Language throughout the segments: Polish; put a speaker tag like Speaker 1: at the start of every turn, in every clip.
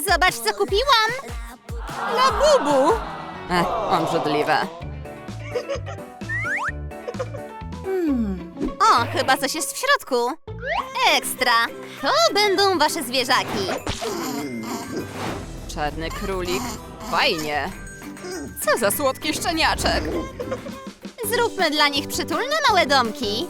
Speaker 1: Zobacz, co kupiłam!
Speaker 2: Labubu! Obrzydliwe.
Speaker 1: O, chyba coś jest w środku. Ekstra! To będą wasze zwierzaki.
Speaker 2: Czarny królik. Fajnie. Co za słodki szczeniaczek.
Speaker 1: Zróbmy dla nich przytulne małe domki.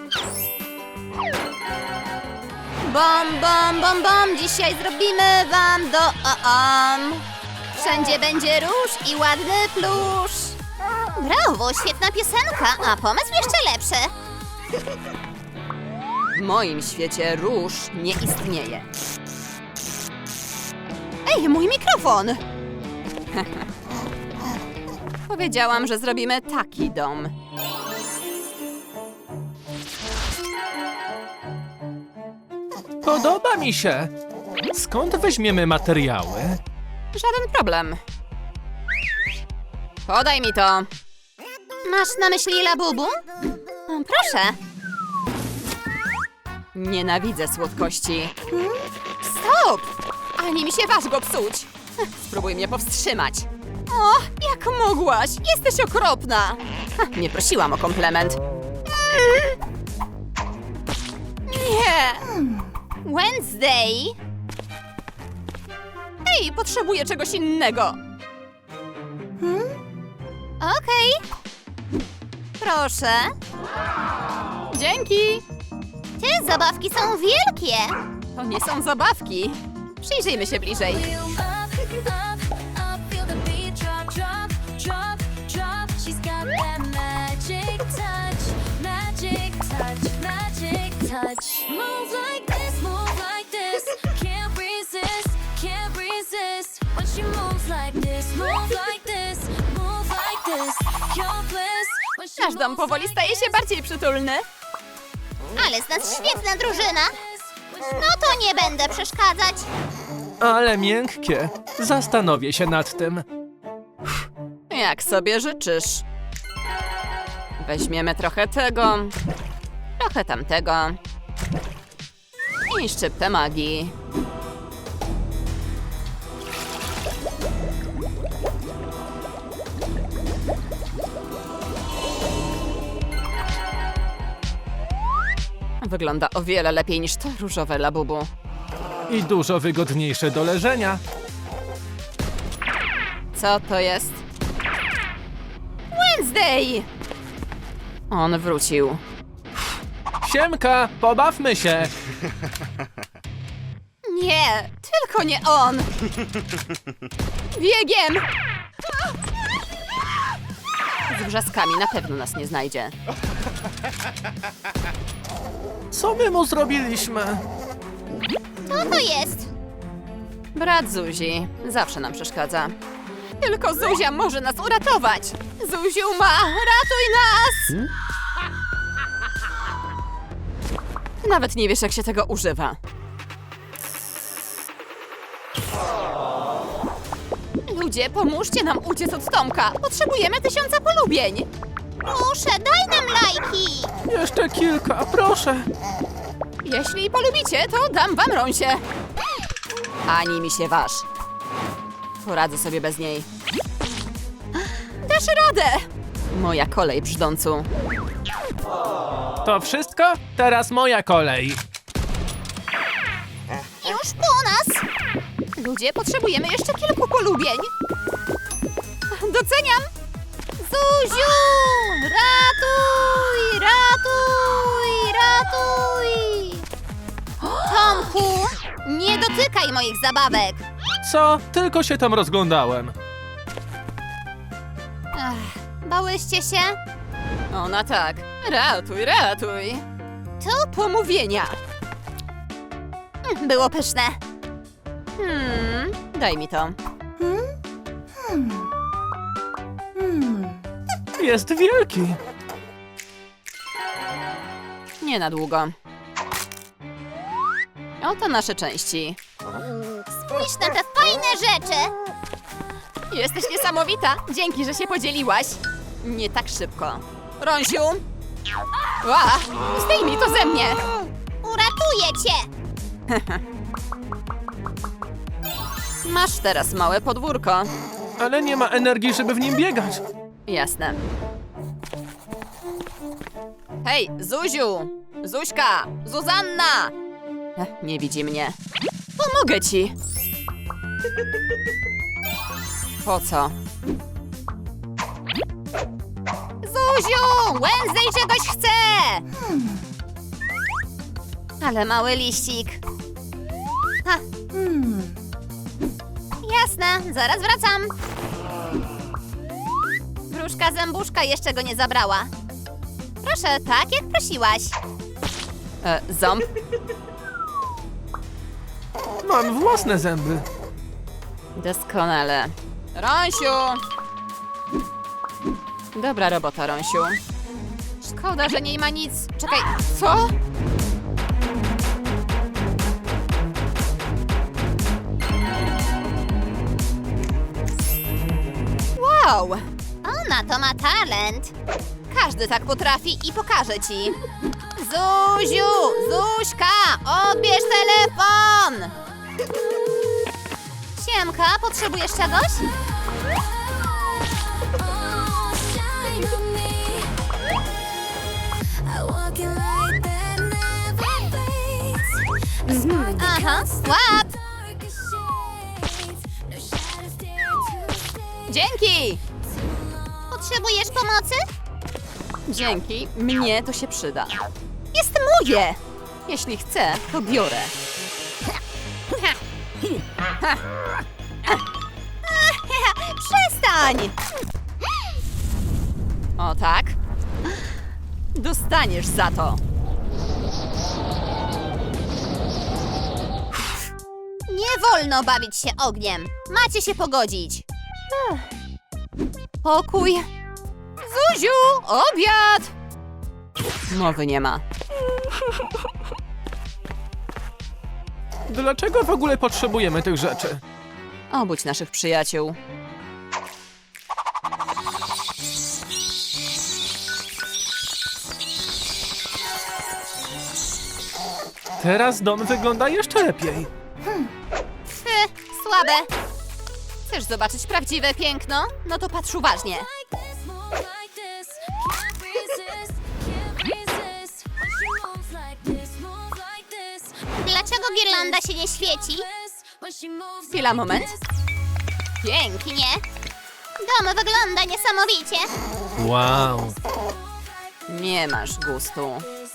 Speaker 1: Bom, bom, bom, bom, dzisiaj zrobimy wam Wszędzie będzie róż i ładny plusz. Brawo, świetna piosenka, a pomysł jeszcze lepszy.
Speaker 2: W moim świecie róż nie istnieje. Ej, mój mikrofon! Powiedziałam, że zrobimy taki dom.
Speaker 3: Podoba mi się. Skąd weźmiemy materiały?
Speaker 2: Żaden problem. Podaj mi to.
Speaker 1: Masz na myśli Labubu? Proszę.
Speaker 2: Nienawidzę słodkości. Stop! Ani mi się waż go psuć. Spróbuj mnie powstrzymać. O, jak mogłaś? Jesteś okropna. Nie prosiłam o komplement. Nie!
Speaker 1: Wednesday.
Speaker 2: Ej, potrzebuję czegoś innego.
Speaker 1: Okej. Proszę.
Speaker 2: Dzięki.
Speaker 1: Te zabawki są wielkie.
Speaker 2: To nie są zabawki. Przyjrzyjmy się bliżej.
Speaker 4: Feel up, feel the beat drop, drop, drop, drop. She's got that magic touch, magic touch, magic touch. Move like this, can't resist, can't resist. When she moves like this, move like this, move like this. Your bliss. When she
Speaker 2: Nasz dom
Speaker 4: moves
Speaker 2: powoli
Speaker 4: like
Speaker 2: staje się bardziej przytulny.
Speaker 1: Ale z nas świetna drużyna. No to nie będę przeszkadzać.
Speaker 3: Ale miękkie. Zastanowię się nad tym.
Speaker 2: Jak sobie życzysz. Weźmiemy trochę tego, trochę tamtego i szczyptę magii. Wygląda o wiele lepiej niż to różowe Labubu.
Speaker 3: I dużo wygodniejsze do leżenia.
Speaker 2: Co to jest? Wednesday! On wrócił.
Speaker 3: Siemka, pobawmy się.
Speaker 2: Nie, tylko nie on! Biegiem! Z wrzaskami na pewno nas nie znajdzie.
Speaker 3: Co my mu zrobiliśmy?
Speaker 1: Co to jest?
Speaker 2: Brat Zuzi zawsze nam przeszkadza. Tylko Zuzia może nas uratować! Zuziu ma, ratuj nas! Ty nawet nie wiesz, jak się tego używa. Ludzie, pomóżcie nam uciec od Tomka! Potrzebujemy 1000 polubień!
Speaker 1: Proszę, daj nam lajki.
Speaker 3: Jeszcze kilka, proszę.
Speaker 2: Jeśli polubicie, to dam wam rąsie. Ani mi się waż. Poradzę sobie bez niej. Dasz radę! Moja kolej, brzdącu.
Speaker 3: To wszystko? Teraz moja kolej.
Speaker 1: Już po nas.
Speaker 2: Ludzie, potrzebujemy jeszcze kilku polubień. Doceniam!
Speaker 1: Zuziu! Ratuj! Ratuj! Ratuj! Tomku, nie dotykaj moich zabawek.
Speaker 3: Co? Tylko się tam rozglądałem.
Speaker 1: Bałyście się?
Speaker 2: Ona tak. Ratuj, ratuj. To pomówienia.
Speaker 1: Było pyszne.
Speaker 2: Daj mi to.
Speaker 3: Jest wielki.
Speaker 2: Nie na długo. Oto nasze części.
Speaker 1: Spójrz na te fajne rzeczy.
Speaker 2: Jesteś niesamowita. Dzięki, że się podzieliłaś. Nie tak szybko. Rąsiu! Ła! Zdejmij to ze mnie!
Speaker 1: Uratuję cię.
Speaker 2: Masz teraz małe podwórko.
Speaker 3: Ale nie ma energii, żeby w nim biegać.
Speaker 2: Jasne. Hej, Zuziu! Zuśka! Zuzanna! Nie widzi mnie. Pomogę ci. Po co?
Speaker 1: Zuziu! Wednesday czegoś chce! Ale mały liścik. Ha. Jasne, zaraz wracam. Wróżka zębuszka jeszcze go nie zabrała. Proszę, tak jak prosiłaś.
Speaker 2: Ząb?
Speaker 3: Mam własne zęby.
Speaker 2: Doskonale. Rąsiu! Dobra robota, Rąsiu. Szkoda, że nie ma nic. Czekaj, co? Wow!
Speaker 1: Ona to ma talent.
Speaker 2: Każdy tak potrafi i pokaże ci.
Speaker 1: Zuziu! Zuśka! Odbierz telefon! Siemka, potrzebujesz czegoś?
Speaker 4: Oh, shine on me. I walk in light that never fades. A spark that
Speaker 1: Aha,
Speaker 4: cuts the
Speaker 1: łap!
Speaker 4: darkest shades. No shadows dare to stay.
Speaker 2: Dzięki!
Speaker 1: Potrzebujesz pomocy?
Speaker 2: Dzięki, mnie to się przyda. Jest moje! Jeśli chcę, to biorę.
Speaker 1: Przestań!
Speaker 2: O tak? Dostaniesz za to.
Speaker 1: Nie wolno bawić się ogniem. Macie się pogodzić.
Speaker 2: Pokój. Zuziu, obiad! Mowy nie ma.
Speaker 3: Dlaczego w ogóle potrzebujemy tych rzeczy?
Speaker 2: Obudź naszych przyjaciół.
Speaker 3: Teraz dom wygląda jeszcze lepiej.
Speaker 1: Słabe.
Speaker 2: Chcesz zobaczyć prawdziwe piękno? No to patrz uważnie.
Speaker 4: Like this, move like this. Can't resist, can't resist. When she moves like this, move like this.
Speaker 1: Dlaczego girlanda się nie świeci?
Speaker 4: When she moves
Speaker 2: Chwila, moment.
Speaker 1: Pięknie. Dom wygląda niesamowicie.
Speaker 3: Wow.
Speaker 2: Nie masz gustu.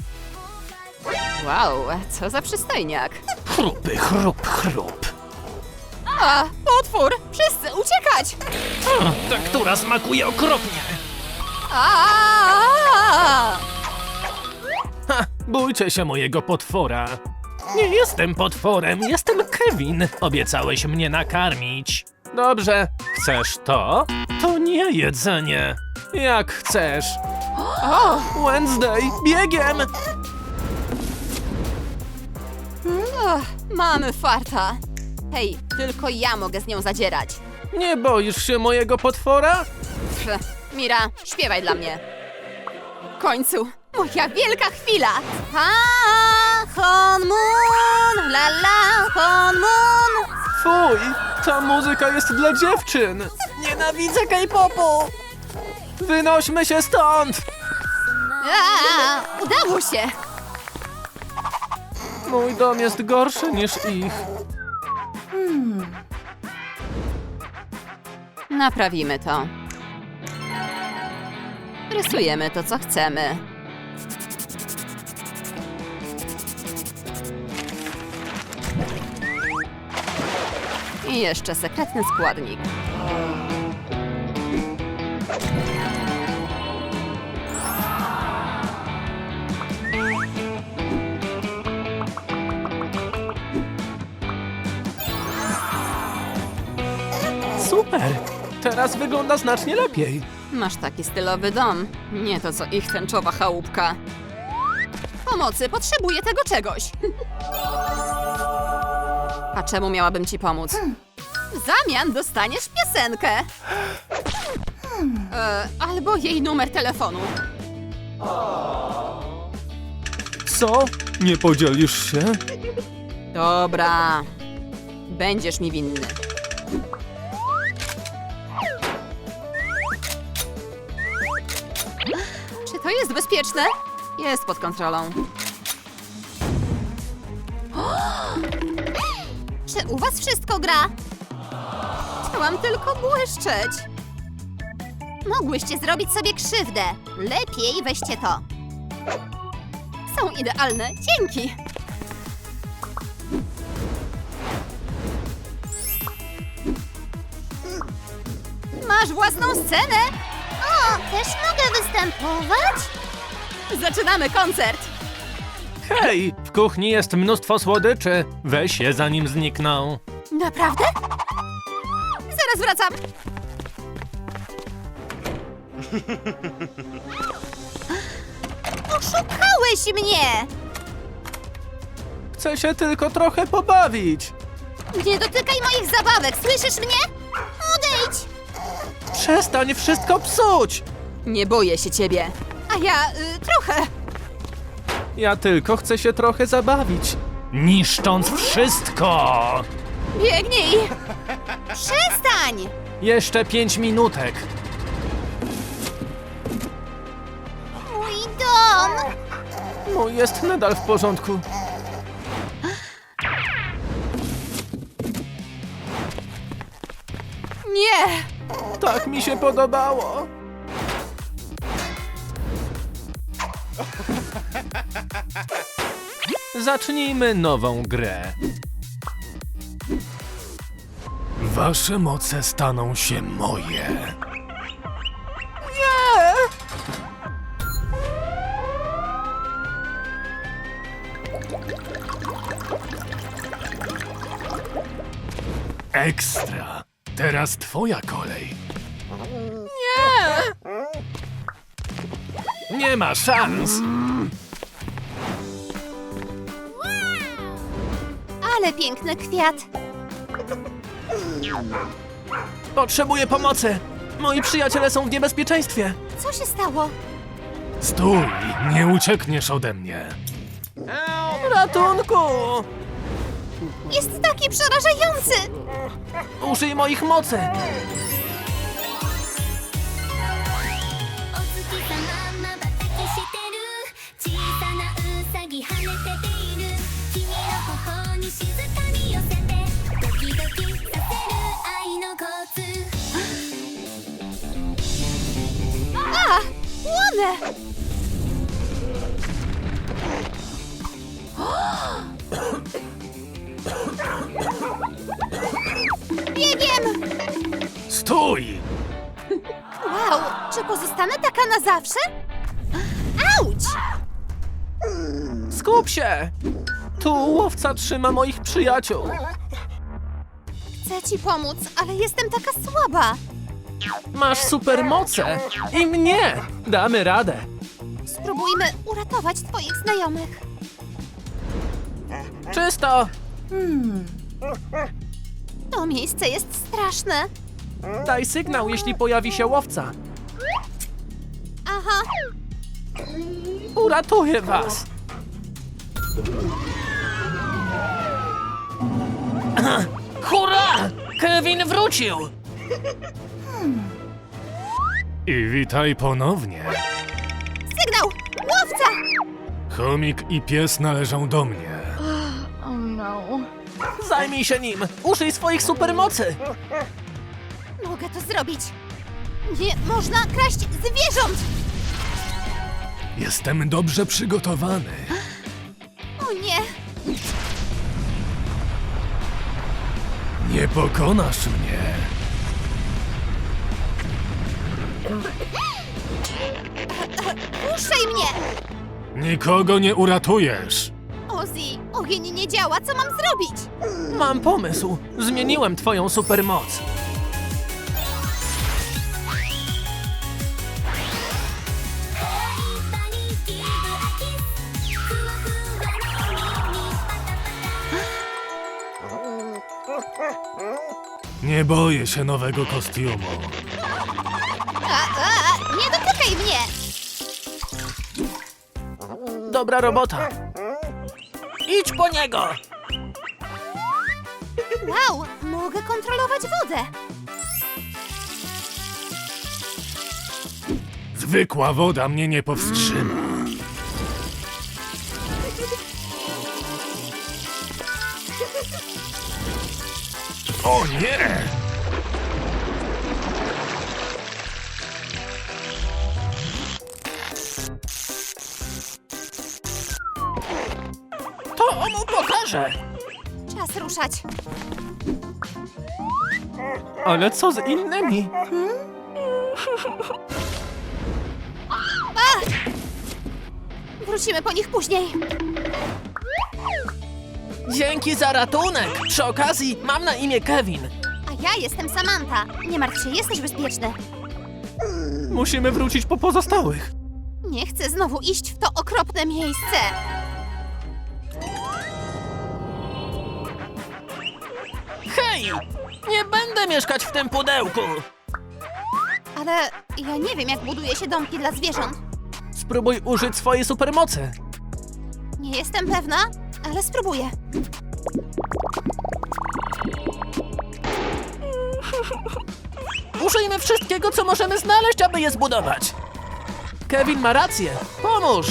Speaker 2: Wow, co za przystojniak.
Speaker 3: Chrupy, chrup, chrup.
Speaker 2: A, potwór! Wszyscy uciekać!
Speaker 3: Ta, która smakuje okropnie.
Speaker 2: A!
Speaker 3: Ha, bójcie się mojego potwora. Nie jestem potworem, jestem Kevin. Obiecałeś mnie nakarmić. Dobrze, chcesz to? To nie jedzenie. Jak chcesz. O, Wednesday, biegiem!
Speaker 2: Mamy farta. Hej, tylko ja mogę z nią zadzierać.
Speaker 3: Nie boisz się mojego potwora?
Speaker 2: Pff, Mira, śpiewaj dla mnie. W końcu, moja wielka chwila.
Speaker 1: Ha, Honmun, la la, Honmun.
Speaker 3: Fuj, ta muzyka jest dla dziewczyn. Nienawidzę K-popu. Wynośmy się stąd.
Speaker 2: Udało się.
Speaker 3: Mój dom jest gorszy niż ich.
Speaker 2: Naprawimy to. Rysujemy to, co chcemy. I jeszcze sekretny składnik.
Speaker 3: Super. Teraz wygląda znacznie lepiej.
Speaker 2: Masz taki stylowy dom. Nie to, co ich tęczowa chałupka. Pomocy, potrzebuję tego czegoś. A czemu miałabym ci pomóc? W zamian dostaniesz piosenkę. Albo jej numer telefonu.
Speaker 3: Co? Nie podzielisz się?
Speaker 2: Dobra. Będziesz mi winny. Czy to jest bezpieczne? Jest pod kontrolą.
Speaker 1: Czy u was wszystko gra?
Speaker 2: Chciałam tylko błyszczeć.
Speaker 1: Mogłyście zrobić sobie krzywdę. Lepiej weźcie to.
Speaker 2: Są idealne. Dzięki. Masz własną scenę?
Speaker 1: O, też mogę występować?
Speaker 2: Zaczynamy koncert.
Speaker 3: Hej, w kuchni jest mnóstwo słodyczy. Weź je, zanim znikną.
Speaker 2: Naprawdę? Zaraz wracam.
Speaker 1: Oszukałeś mnie!
Speaker 3: Chcę się tylko trochę pobawić.
Speaker 1: Nie dotykaj moich zabawek, słyszysz mnie? Odejdź!
Speaker 3: Przestań wszystko psuć.
Speaker 2: Nie boję się ciebie. A ja trochę.
Speaker 3: Ja tylko chcę się trochę zabawić. Niszcząc wszystko.
Speaker 2: Biegnij.
Speaker 1: Przestań!
Speaker 3: Jeszcze 5 minutek.
Speaker 1: Mój dom!
Speaker 3: Mój jest nadal w porządku.
Speaker 2: Nie.
Speaker 3: Tak mi się podobało. Zacznijmy nową grę. Wasze moce staną się moje. Ekstra. Teraz twoja kolej. Nie ma szans.
Speaker 1: Ale piękny kwiat.
Speaker 3: Potrzebuję pomocy. Moi przyjaciele są w niebezpieczeństwie.
Speaker 1: Co się stało?
Speaker 3: Stój, nie uciekniesz ode mnie. Ratunku!
Speaker 1: Jest taki przerażający!
Speaker 3: Użyj moich mocy.
Speaker 4: お月さままばたきしてる小さなうさぎ跳ねてている君の頬に静かに寄せてドキドキさせる愛のコツ
Speaker 1: A! Płonę! Biegiem!
Speaker 3: Stój!
Speaker 1: Wow, czy pozostanę taka na zawsze? Auć!
Speaker 3: Skup się! Tu łowca trzyma moich przyjaciół.
Speaker 1: Chcę ci pomóc, ale jestem taka słaba.
Speaker 3: Masz supermoce. I mnie. Damy radę.
Speaker 1: Spróbujmy uratować twoich znajomych.
Speaker 3: Czysto.
Speaker 1: To miejsce jest straszne.
Speaker 3: Daj sygnał, jeśli pojawi się łowca.
Speaker 1: Aha,
Speaker 3: Uratuję was. Hurra! Kevin wrócił! I witaj ponownie.
Speaker 1: sygnał! Łowca!
Speaker 3: Chomik i pies należą do mnie. Zajmij się nim! Użyj swoich supermocy!
Speaker 1: Mogę to zrobić. Nie można kraść zwierząt!
Speaker 3: Jestem dobrze przygotowany.
Speaker 1: O nie!
Speaker 3: Nie pokonasz mnie.
Speaker 1: Puszczaj mnie!
Speaker 3: Nikogo nie uratujesz.
Speaker 1: Ozzy, ogień nie działa, co mam zrobić?
Speaker 3: Mam pomysł. Zmieniłem twoją supermoc. Nie boję się nowego kostiumu.
Speaker 1: Nie dotykaj mnie!
Speaker 3: Dobra robota. Idź po niego!
Speaker 1: Wow, mogę kontrolować wodę.
Speaker 3: Zwykła woda mnie nie powstrzyma. O nie! To mu pokażę!
Speaker 1: Czas ruszać.
Speaker 3: Ale co z innymi?
Speaker 1: Wrócimy po nich później.
Speaker 3: Dzięki za ratunek! Przy okazji mam na imię Kevin.
Speaker 1: A ja jestem Samantha. Nie martw się, jesteś bezpieczny.
Speaker 3: Musimy wrócić po pozostałych.
Speaker 1: Nie chcę znowu iść w to okropne miejsce.
Speaker 3: Hej! Nie będę mieszkać w tym pudełku!
Speaker 1: Ale ja nie wiem, jak buduje się domki dla zwierząt.
Speaker 3: Spróbuj użyć swojej supermocy.
Speaker 1: Nie jestem pewna, ale spróbuję.
Speaker 3: Użyjmy wszystkiego, co możemy znaleźć, aby je zbudować. Kevin ma rację. Pomóż!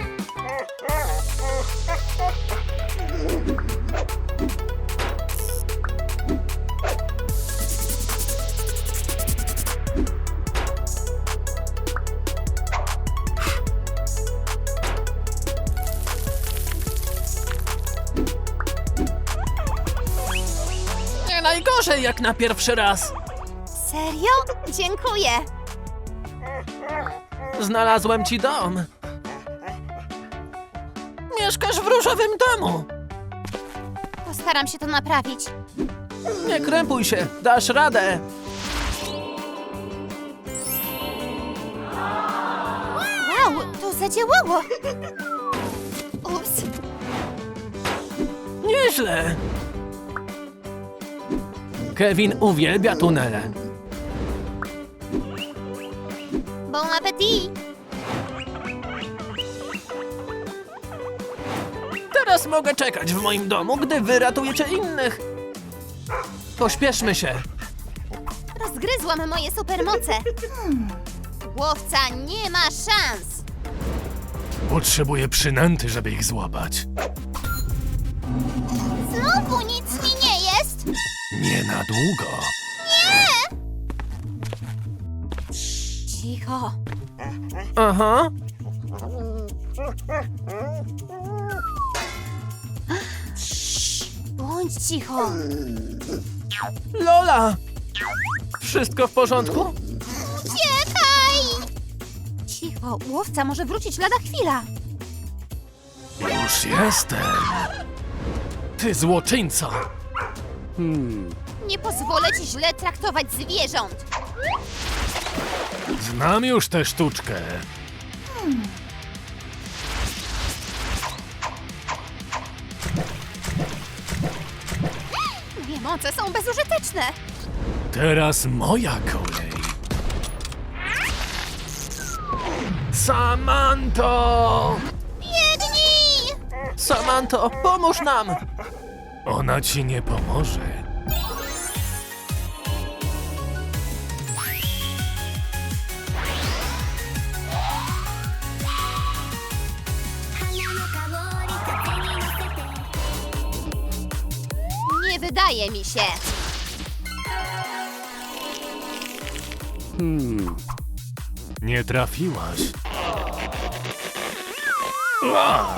Speaker 3: Nie najgorzej jak na pierwszy raz.
Speaker 1: Serio? Dziękuję.
Speaker 3: Znalazłem ci dom. Mieszkasz w różowym domu.
Speaker 1: Postaram się to naprawić.
Speaker 3: Nie krępuj się, dasz radę.
Speaker 1: Wow, to zadziałało. Ups.
Speaker 3: Nieźle. Kevin uwielbia tunele.
Speaker 1: Bon appetit.
Speaker 3: Teraz mogę czekać w moim domu, gdy wy ratujecie innych. Pośpieszmy się.
Speaker 1: Rozgryzłam moje supermoce. Łowca nie ma szans.
Speaker 3: Potrzebuję przynęty, żeby ich złapać.
Speaker 1: Znowu nic mi nie jest.
Speaker 3: Nie na długo.
Speaker 1: Cicho.
Speaker 3: Aha.
Speaker 1: Bądź cicho.
Speaker 3: Lola! Wszystko w porządku?
Speaker 1: Uciekaj! Cicho, łowca może wrócić lada chwila.
Speaker 3: Już jestem. Ty złoczyńco.
Speaker 1: Nie pozwolę ci źle traktować zwierząt.
Speaker 3: Znam już tę sztuczkę.
Speaker 1: Moje moce są bezużyteczne.
Speaker 3: Teraz moja kolej. Samanto!
Speaker 1: Biegnij!
Speaker 3: Samanto, pomóż nam! Ona ci nie pomoże.
Speaker 1: Nie wydaje mi się.
Speaker 3: Nie trafiłaś. Ua!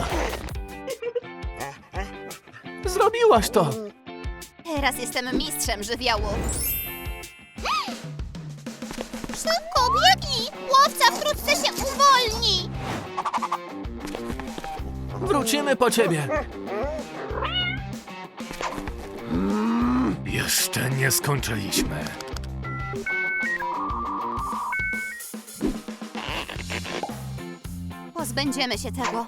Speaker 3: Zrobiłaś to!
Speaker 1: Teraz jestem mistrzem żywiołów. Szybko, biegnij! Łowca wkrótce się uwolni!
Speaker 3: Wrócimy po ciebie. Jeszcze nie skończyliśmy.
Speaker 1: Pozbędziemy się tego.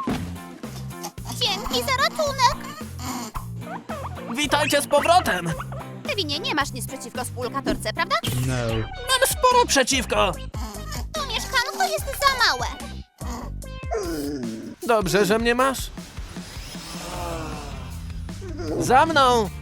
Speaker 1: Dzięki za ratunek!
Speaker 3: Witajcie z powrotem!
Speaker 1: Kevinie, nie masz nic przeciwko współlokatorce, prawda?
Speaker 3: Mam sporo przeciwko!
Speaker 1: To mieszkanko jest za małe.
Speaker 3: Dobrze, że mnie masz. Za mną!